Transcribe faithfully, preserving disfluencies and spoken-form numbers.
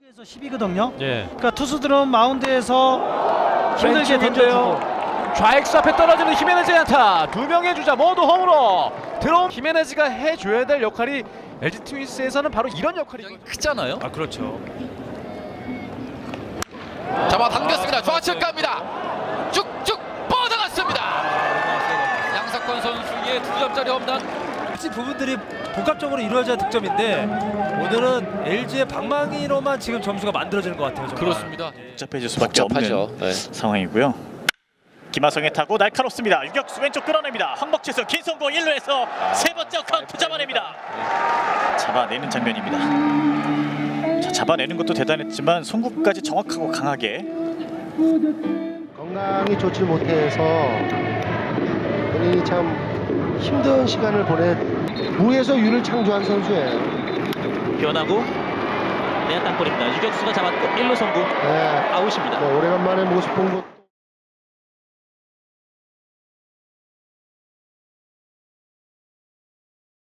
에서 십이거든요. 예. 그러니까 투수들은 마운드에서 힘들게 던져주고 좌익수 앞에 떨어지는 히메네즈의 안타. 두 명의 주자 모두 홈으로 들어온 히메네즈가 해줘야 될 역할이 엘지 트윈스에서는 바로 이런 역할이 크잖아요. 아 그렇죠. 잡아당겼습니다. 좌측 갑니다. 쭉쭉 뻗어갔습니다. 양석권 선수의 두 점짜리 홈런. 부분들이 복합적으로 이루어져야 득점인데 오늘은 엘지의 방망이로만 지금 점수가 만들어지는 것 같아요. 정말. 그렇습니다. 복잡해질 수밖에 복잡하죠. 없는 네. 상황이고요. 김하성의 타구 날카롭습니다. 유격수 왼쪽 끌어냅니다. 황복재수 긴 송구 일 루에서 세 번째 카운트 잡아냅니다. 잡아내는 장면입니다. 자, 잡아내는 것도 대단했지만 송구까지 정확하고 강하게. 건강이 좋지 못해서 본인이 참 힘든 시간을 보내 무에서 유를 창조한 선수예요. 변하고 내야 땅볼입니다. 유격수가 잡았고 일 루 송구 네, 아웃입니다. 뭐 오래간만에 모습 본 것.